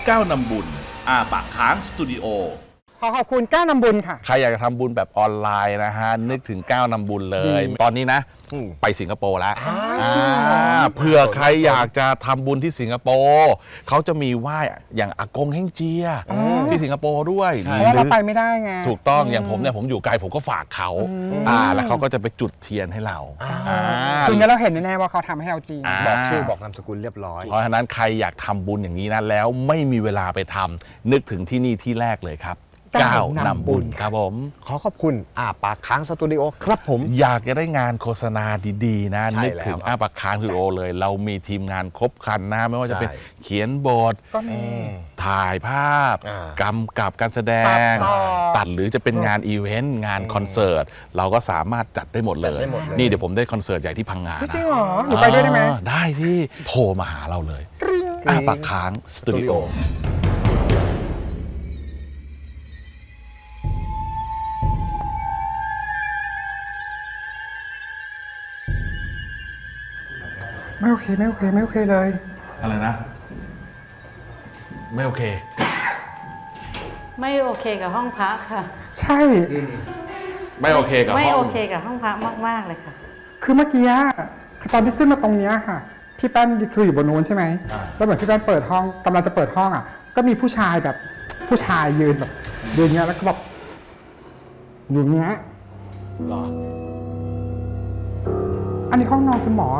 ก้าวนำบุญอาปากค้างสตูดิโอขอบคุณก้าวนำบุญค่ะใครอยากจะทำบุญแบบออนไลน์นะฮะนึกถึงก้าวนำบุญเลยตอนนี้นะไปสิงคโปร์แล้วเผื่อใครอยากจะทำบุญที่สิงคโปร์เขาจะมีไหว้อย่างอากงเฮ่งเจียที่สิงคโปร์ด้วยเพราะเราไปไม่ได้ไงถูกต้องอย่างผมเนี่ยผมอยู่ไกลผมก็ฝากเขาแล้วเขาก็จะไปจุดเทียนให้เราคืองั้นเราเห็นแน่ๆว่าเขาทำให้เราจริงบอกชื่อบอกนามสกุลเรียบร้อยเพราะฉะนั้นใครอยากทำบุญอย่างนี้นะแล้วไม่มีเวลาไปทำนึกถึงที่นี่ที่แรกเลยครับก้าวนำบุญครับผมขอบคุณปากค้างสตูดิโอครับผมอยากจะได้งานโฆษณาดีๆนะนึกถึงปากค้างสตูดิโอเลยเรามีทีมงานครบครันนะไม่ว่าจะเป็นเขียนบทถ่ายภาพกำกับการแสดงตัดหรือจะเป็นงานอีเวนต์งานคอนเสิร์ตเราก็สามารถจัดได้หมดเลยนี่เดี๋ยวผมได้คอนเสิร์ตใหญ่ที่พังงาจริงเหรอหนูไปด้วยได้ไหมได้ที่โทรมาหาเราเลยปากค้างสตูดิโอไม่โอเคไม่โอเคไม่โอเคเลยอะไรนะไม่โอเคไม่โอเคกับห้องพักค่ะใช่ไม่โอเคกับห้องไม่โอเคกับห้องพักมากๆเลยค่ะคือเมื่อกี้คือตอนที่ขึ้นมาตรงนี้ค่ะพี่แป้นคืออยู่บนโน้นใช่ไหมแล้วเหมือนพี่แป้นเปิดห้องกำลังจะเปิดห้องก็มีผู้ชายแบบผู้ชายยืนแบบยืนเงี้ยแล้วก็แบบอยู่เงี้ยหรออันนี้ห้องนอนคุณหมอ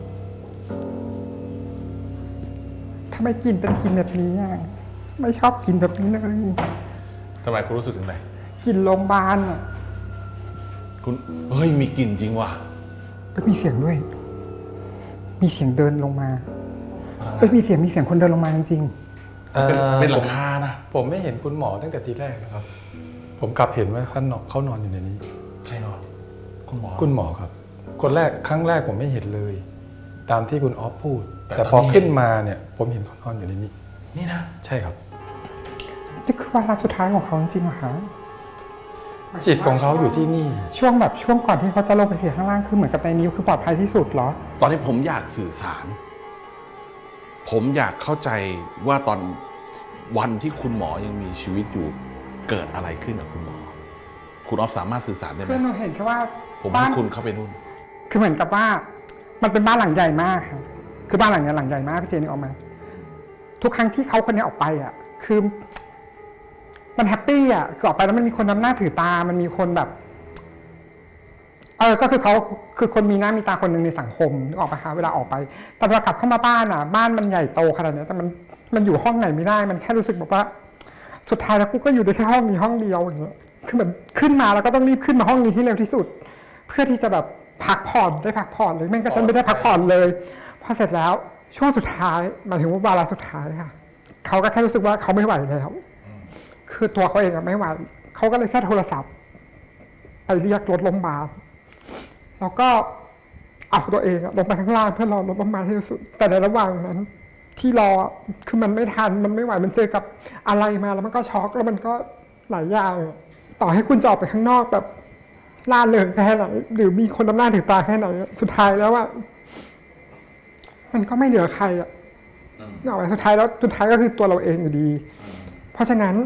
ทำไมกินเป็นกินแบบนี้ไม่ชอบกินแบบนี้เลยทำไมคุณรู้สึกถึงไหนกินโรงพยาบาลคุณเฮ้ยมีกลิ่นจริงว่ะแล้วมีเสียงด้วยมีเสียงเดินลงมามีเสียงคนเดินลงมาจริงเป็นหลังคานะผมไม่เห็นคุณหมอตั้งแต่ทีแรกนะครับผมกลับเห็นว่าเขานอนอยู่ในนี้ใครนอนคุณหมอครับคนแรกครั้งแรกผมไม่เห็นเลยตามที่คุณออฟพูดแต่พอขึ้นมาเนี่ยผมเห็นเขานอนอยู่ในนี้นี่นะใช่ครับนี่คือวาระสุดท้ายของเขาจริงๆเหรอคะจิตของเขาอยู่ที่นี่ช่วงก่อนที่เขาจะลงไปเสียข้างล่างคือเหมือนกับในนิ้วคือปลอดภัยที่สุดเหรอตอนนี้ผมอยากสื่อสารผมอยากเข้าใจว่าตอนวันที่คุณหมอยังมีชีวิตอยู่เกิดอะไรขึ้นกับคุณหมอคุณออฟสามารถสื่อสารได้ไหมคือหนูเห็นแค่ว่าผมให้คุณเข้าไปนู่นคือเหมือนกับว่ามันเป็นบ้านหลังใหญ่มากค่ะคือบ้านหลังนี้หลังใหญ่มากพี่เจนึกออกไหมทุกครั้งที่เขาคนนี้ออกไปคือมันแฮปปี้คือออกไปแล้วมันมีคนนำหน้าถือตามันมีคนแบบก็คือเขาคือคนมีหน้ามีตาคนหนึ่งในสังคมนึกออกปะคะเวลาออกไปแต่เวลากลับเข้ามาบ้านบ้านมันใหญ่โตขนาดนี้แต่มันอยู่ห้องไหนไม่ได้มันแค่รู้สึกแบบว่าสุดท้ายแล้วกูก็อยู่ได้แค่ห้องนี้ห้องเดียวอย่างเงี้ยคือเหมือนขึ้นมาแล้วก็ต้องรีบขึ้นมาห้องนี้ให้เร็วที่สุดเพื่อที่จะแบบพักผ่อนได้พักผ่อนเลยไม่งั้นจะไม่ได้พักผ่อนเลยพอเสร็จแล้วช่วงสุดท้ายหมายถึงว่าวาระสุดท้ายค่ะเขาก็แค่รู้สึกว่าเขาไม่ไหวแล้วคือตัวเขาเองไม่ไหวเขาก็เลยแค่โทรศัพท์ไปเรียกรถโรงพยาบาลแล้วก็เอาตัวเองลงไปข้างล่างเพื่อรอรถโรงพยาบาลให้สุดแต่ในระหว่างนั้นที่รอคือมันไม่ทันมันไม่ไหวมันเจอกับอะไรมาแล้วมันก็ช็อกแล้วมันก็หลายอย่างต่อให้คุณจะออกไปข้างนอกแบบล่าเริงแค่ไหนหรือมีคนนำหน้าถือตาแค่ไหนสุดท้ายแล้วมันก็ไม่เหลือใครสุดท้ายก็คือตัวเราเองอยู่ดีเพราะฉะนั้น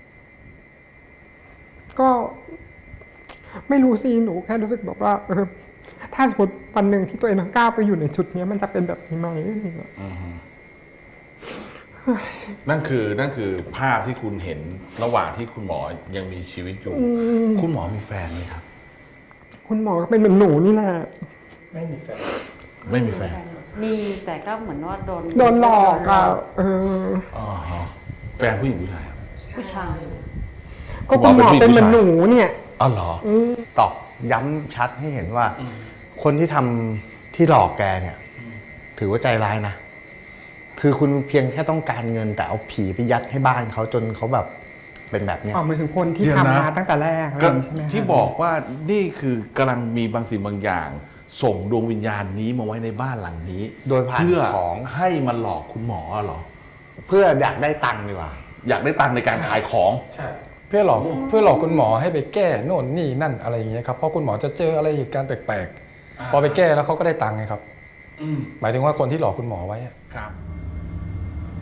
ก็ไม่รู้สิหนูแค่รู้สึกแบบว่าถ้าสมมติวันหนึ่งที่ตัวเองก้าวไปอยู่ในจุดนี้มันจะเป็นแบบนี้ไหมนั่นคือภาพที่คุณเห็นระหว่างที่คุณหมอยังมีชีวิตอยู่คุณหมอมีแฟนไหมครับคุณหมอก็เป็นเหมือนหนูนี่แหละไม่มีแฟนมีแต่ก็เหมือนว่าโดนหลอกแฟนผู้หญิงผู้ชายก็คุณหมอเป็นเหมือนหนูเนี่ยอ๋อเหรอตอกย้ำชัดให้เห็นว่าคนที่ทำที่หลอกแกเนี่ยถือว่าใจร้ายนะคือคุณเพียงแค่ต้องการเงินแต่เอาผีไปยัดให้บ้านเขาจนเขาแบบเป็นแบบนี้หมายถึงคนที่ทำมาตั้งแต่แรกใช่ไหมที่บอกว่านี่คือกำลังมีบางสิ่งบางอย่างส่งดวงวิญญาณนี้มาไว้ในบ้านหลังนี้โดยผ่านของให้มันหลอกคุณหมอเหรอเพื่ออยากได้ตังค์ดีกว่าอยากได้ตังค์ในการขายของใช่เพื่อหลอกคุณหมอให้ไปแก้โน่นนี่นั่นอะไรอย่างเงี้ยครับเพราะคุณหมอจะเจออะไรเหตุการณ์แปลกๆพอไปแก้แล้วเขาก็ได้ตังค์ไงครับหมายถึงว่าคนที่หลอกคุณหมอไว้ครับ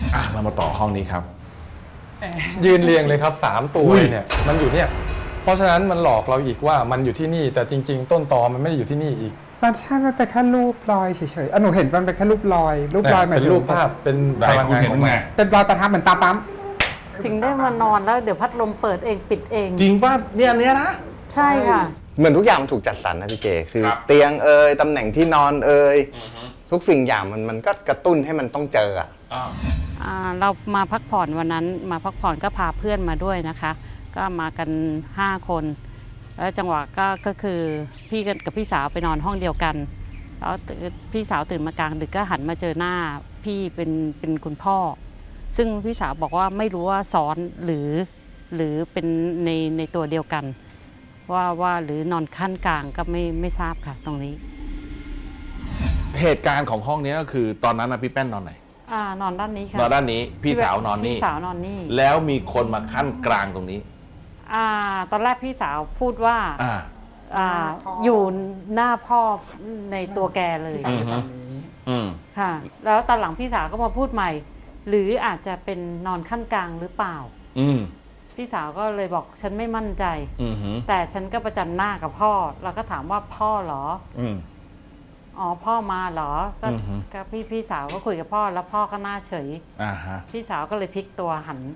เรามาต่อห้องนี้ครับยืนเรียงเลยครับ3ตัวเนี่ยมันอยู่เนี่ยเพราะฉะนั้นมันหลอกเราอีกว่ามันอยู่ที่นี่แต่จริง ๆ ต้นตอมันไม่ได้อยู่ที่นี่อีกมันเป็นแค่รูปรอยเฉยๆหนูเห็นมันเป็นแค่รูปรอยหมายเป็นถึงรูปภาพเป็นพลังงานของมันเป็นรอยประทับเหมือนตาปั๊มจริงได้มานอนแล้วเดี๋ยวพัดลมเปิดเองปิดเองจริงป่ะเนี่ยนะใช่ค่ะเหมือนทุกอย่างมันถูกจัดสรรนะพี่เจ คือครับเตียงตำแหน่งที่นอนทุกสิ่งอย่างมันก็กระตุ้นให้มันต้องเจออะเรามาพักผ่อนวันนั้นมาพักผ่อนก็พาเพื่อนมาด้วยนะคะ ก็มากัน5 คน แล้วจังหวะก็คือพี่กับพี่สาวไปนอนห้องเดียวกันแล้วพี่สาวตื่นมากลางดึกก็หันมาเจอหน้าพี่เป็นคุณพ่อ ซึ่งพี่สาวบอกว่าไม่รู้ว่าซ้อนหรือเป็นในตัวเดียวกัน ว่าหรือนอนขั้นกลางก็ไม่ทราบค่ะตรงนี้เหตุการณ์ของห้องนี้ก็คือตอนนั้นนะพี่แป้นนอนไหนนอนด้านนี้ค่ะนอนด้านนี้พี่สาวนอนนี่พี่สาวนอนนี่แล้วมีคนมาขั้นกลางตรงนี้ตอนแรกพี่สาวพูดว่าอ่าอยู่หน้าพ่อในตัวแกเลยอืมค่ะ แล้วตอนหลังพี่สาวก็มาพูดใหม่ หรืออาจจะเป็นนอนขั้นกลางหรือเปล่า พี่สาวก็เลยบอกฉันไม่มั่นใจ แต่ฉันก็ประจันหน้ากับพ่อเราก็ถามว่าพ่อเหรออ๋อพ่อมาเหรอก็พี่สาวก็คุยกับพ่อแล้วพ่อก็หน้าเฉยพี่สาวก็เลยพลิกตัวหัน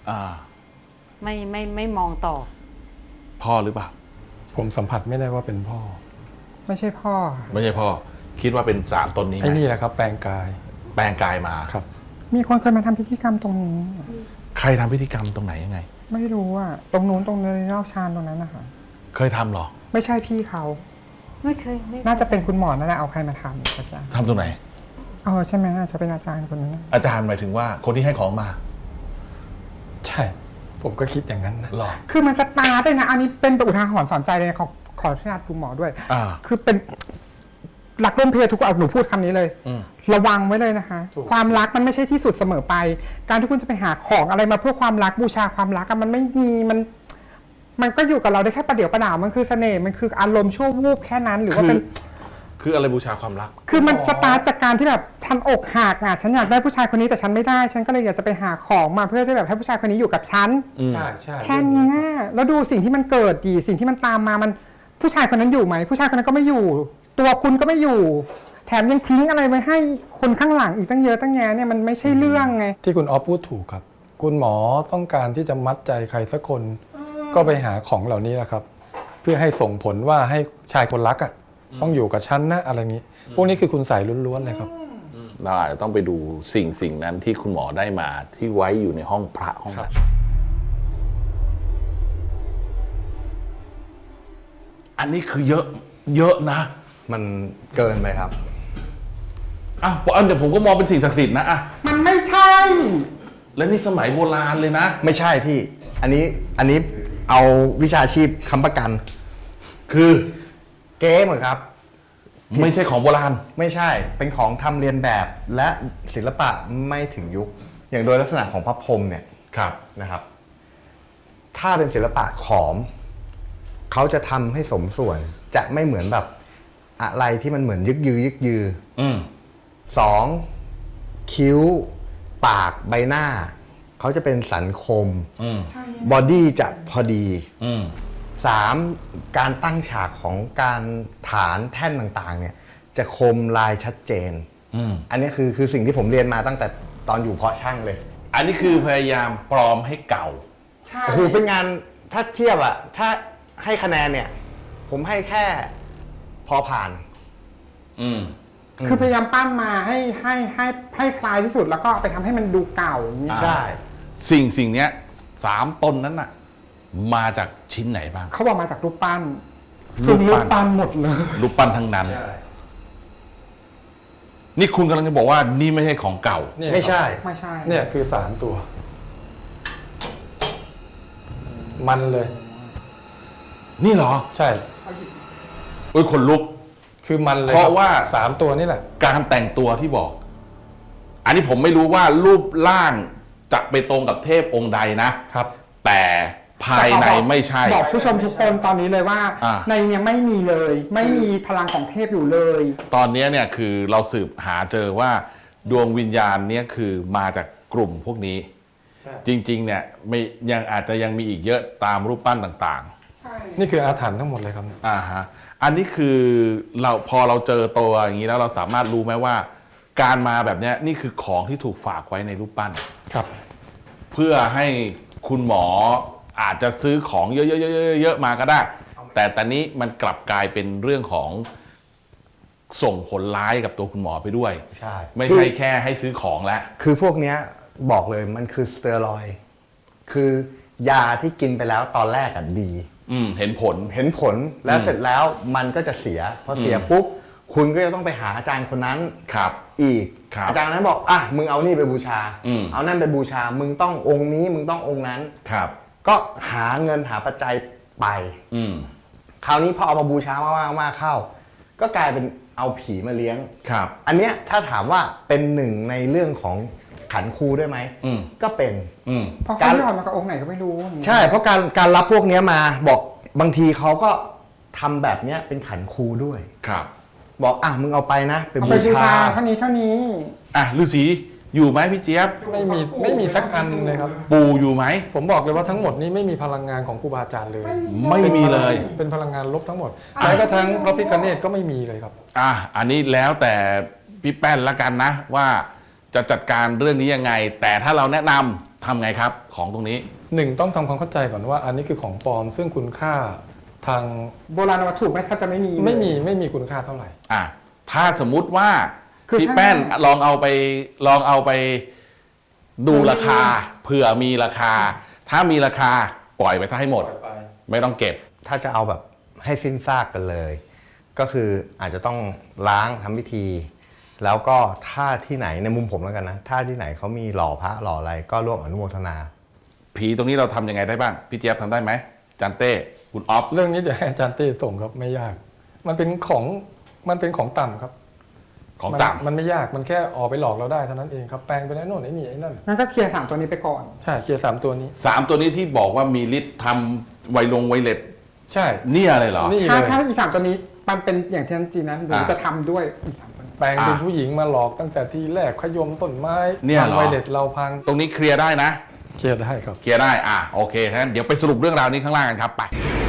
ไม่มองต่อพ่อหรือเปล่าผมสัมผัสไม่ได้ว่าเป็นพ่อไม่ใช่พ่อไม่ใช่พ่อ คิดว่าเป็นสารตนนี้ไหมไอ้นี่แหละครับแปลงกายแปลงกายมาครับมีคนเคยมาทำพิธีกรรมตรงนี้ใครทำพิธีกรรมตรงไหนยังไงไม่รู้อะตรงนู้นตรงในนอกชานตรงนั้นนะคะเคยทำหรอไม่ใช่พี่เขาไม่เคยน่าจะเป็นคุณหมอนั่นแหละเอาใครมาทำสักอย่างทำตรงไหนใช่ไหมอาจจะเป็นอาจารย์คนนั้นนะอาจารย์หมายถึงว่าคนที่ให้ของมาใช่ ผมก็คิดอย่างนั้นนะหรอคือมันสตาร์ทเลยนะอันนี้เป็นอุทาหรณ์สอนใจเลยนะขออนุญาตคุณหมอด้วย คือเป็นหลักร่วมเพศทุกคนหนูพูดคำนี้เลย ระวังไว้เลยนะคะ ความรักมันไม่ใช่ที่สุดเสมอไป การที่คุณจะไปหาของอะไรมาเพื่อความรักบูชาความรักมันไม่มีมันก็อยู่กับเราได้แค่ประเดี๋ยวประดาวมันคือเสน่ห์มันคืออารมณ์ชั่ววูบแค่นั้นหรือว่าเป็นคืออะไรบูชาความรักคือมันสตาร์ทจากการที่แบบฉันอกหักฉันอยากได้ผู้ชายคนนี้แต่ฉันไม่ได้ฉันก็เลยอยากจะไปหาของมาเพื่อที่แบบให้ผู้ชายคนนี้อยู่กับฉันใช่ใช่แค่นี้แล้วดูสิ่งที่มันเกิดดีสิ่งที่มันตามมามันผู้ชายคนนั้นอยู่ไหมผู้ชายคนนั้นก็ไม่อยู่ ตัวคุณก็ไม่อยู่ แถมยังทิ้งอะไรไว้ให้คนข้างหลังอีกตั้งเยอะตั้งแยะเนี่ยมันไม่ใช่เรื่องไงที่คุณออฟพูดถูกครับ คุณหมอต้องการที่จะมัดใจใครสักคน ก็ไปหาของเหล่านี้แหละครับ เพื่อให้ส่งผลว่าให้ชายคนรักต้องอยู่กับฉันนะอะไรนี้ พวกนี้คือคุณใส่ล้วนๆเลยครับเราอาจจะต้องไปดูสิ่งนั้นที่คุณหมอได้มาที่ไว้อยู่ในห้องพระห้องนั้นอันนี้คือเยอะนะมันเกินไปครับเดี๋ยวผมก็มองเป็นสิ่งศักดิ์สิทธิ์นะมันไม่ใช่แล้วนี่สมัยโบราณเลยนะไม่ใช่พี่ อันนี้เอาวิชาชีพค้ำประกันคือเก๊เหมือนครับไม่ใช่ของโบราณไม่ใช่ เป็นของทำเรียนแบบและศิลปะไม่ถึงยุค อย่างโดยลักษณะของพระพรหมเนี่ยครับนะครับ ถ้าเป็นศิลปะขอม เขาจะทำให้สมส่วน จะไม่เหมือนแบบอะไรที่มันเหมือนยึกยือสองคิ้ว ปากใบหน้า เขาจะเป็นสันคมบอดี้จะพอดีสามการตั้งฉากของการฐานแท่นต่างๆเนี่ยจะคมลายชัดเจนอันนี้คือสิ่งที่ผมเรียนมาตั้งแต่ตอนอยู่เพาะช่างเลยอันนี้คือพยายามปลอมให้เก่าโอ้โหเป็นงานถ้าเทียบถ้าให้คะแนนเนี่ย ผมให้แค่พอผ่านคือพยายามปั้นมาให้คลายที่สุดแล้วก็ไปทำให้มันดูเก่าอย่างนี้ใช่สิ่งเนี้ย3 ตนนั้นน่ะมาจากชิ้นไหนบ้างเขาบอกมาจากรูปปั้นซึ่งรูปปั้นหมดเลยรูปปั้นทั้งนั้นนี่คุณกำลังจะบอกว่านี่ไม่ใช่ของเก่าไม่ใช่ไม่ใช่เนี่ยคือสารตัว มันเลยนี่เหรอใช่คนลุกคือมันเลยเพราะว่า 3 ตัวนี่แหละการแต่งตัวที่บอก อันนี้ผมไม่รู้ว่ารูปร่างจะไปตรงกับเทพองค์ใดนะครับ แต่ภายในไม่ใช่บอกผู้ชมทุกคนตอนนี้เลยว่าในเนี่ยไม่มีเลย ไม่มีพลังของเทพอยู่เลยตอนนี้เนี่ยคือเราสืบหาเจอว่าดวงวิญญาณเนี่ยคือมาจากกลุ่มพวกนี้ จริงๆเนี่ยไม่ยังอาจจะยังมีอีกเยอะตามรูปปั้นต่างๆนี่คืออาถรรพ์ทั้งหมดเลยครับฮะอันนี้คือเราพอเราเจอตัวอย่างนี้แล้วเราสามารถรู้ไหมว่า การมาแบบเนี้ยนี่คือของที่ถูกฝากไว้ในรูปปั้นครับเพื่อให้คุณหมออาจจะซื้อของเยอะๆๆๆมาก็ได้ แต่ตอนนี้มันกลับกลายเป็นเรื่องของส่งผลร้ายกับตัวคุณหมอไปด้วยใช่ไม่ใช่แค่ให้ซื้อของแล้วคือพวกเนี้ยบอกเลยมันคือสเตียรอยด์คือยาที่กินไปแล้วตอนแรกอ่ะดีเห็นผลเห็นผลแล้วเสร็จแล้วมันก็จะเสียพอเสียปุ๊บคุณก็จะต้องไปหาอาจารย์คนนั้นครับอีกครับอาจารย์นั้นบอกอ่ะมึงเอานี่ไปบูชามเอานั่นไปบูชามึงต้ององค์นี้มึงต้ององค์นั้นครับก็หาเงินหาปัจจัยไปอืมคราวนี้พอเอามาบูชามากๆเข้า ก็กลายเป็นเอาผีมาเลี้ยงครับอันเนี้ยถ้าถามว่าเป็นหนึ่งในเรื่องของขันครูด้วยไหม ก็เป็นเพราะเขาไม่ออกมากับองค์ไหนก็ไม่รู้ใช่เพราะการรับพวกเนี้ยมาบอกบางทีเขาก็ทำแบบเนี้ยเป็นขันครูด้วยครับบอกอ่ะมึงเอาไปนะไปเอาบูไปบูชาชาเท่านี้เท่านี้อ่ะฤาษีอยู่ไหมพี่เจี๊ยบไม่มีสักอันเลยครับปู่อยู่ไหมผมบอกเลยว่าทั้งหมดนี้ไม่มีพลังงานของครูบาอาจารย์เลยไม่มีเลยเป็นพลังงานลบทั้งหมดแม้กระทั่งพระพิฆเนศก็ไม่มีเลยครับอันนี้แล้วแต่พี่แป้นละกันนะว่าจะจัดการเรื่องนี้ยังไง แต่ถ้าเราแนะนำทำไงครับของตรงนี้หนึ่งต้องทำความเข้าใจก่อนว่าอันนี้คือของปลอม ซึ่งคุณค่าทางโบราณวัตถุไม่ถ้าจะไม่มีไม่มีคุณค่าเท่าไหร่ถ้าสมมุติว่าคือพี่ถ้าแป้นลองเอาไปดูราคาเผื่อมีราคา ถ้ามีราคาปล่อยไปถ้าให้หมด ไม่ต้องเก็บถ้าจะเอาแบบให้สิ้นซากกันเลย ก็คืออาจจะต้องล้างทำพิธี แล้วก็ถ้าที่ไหนในมุมผมแล้วกันนะ ถ้าที่ไหนเขามีหล่อพระหล่ออะไรก็ร่วมอนุโมทนาผีตรงนี้เราทำยังไงได้บ้างพี่เจี๊ยบทำได้ไหมจันเต้คุณออฟเรื่องนี้เดี๋ยวให้อาจารย์เต้ส่งครับไม่ยาก มันเป็นของต่ำครับของต่ำมันไม่ยากมันแค่ออกไปหลอกเราได้เท่านั้นเองครับแปลงไปไอ้โน่นไอ้นี่ไอ้นั่นงั้นก็เคลียร์3ตัวนี้ไปก่อนใช่เคลียร์3ตัวนี้ 3 ตัวนี้ที่บอกว่ามีฤทธิ์ทำไวเล็ดใช่เนี่ยเลยเหรอนี่ถ้าเลยอี3ตัวนี้มันเป็นอย่างที่นั่นจีนนั้นหนูจะทำด้วยอี3ตัวนี้แปลงเป็นผู้หญิงมาหลอกตั้งแต่ที่แรกขยมต้นไม้เนี่ยเหรอพังไวเล็ตเราพังตรงนี้เคลียร์ได้นะเคลียร์ได้ครับเคลียร์ได้โอเคงั้นเดี๋ยวไปสรุปเรื่องราวนี้ข้างล่างกันครับไป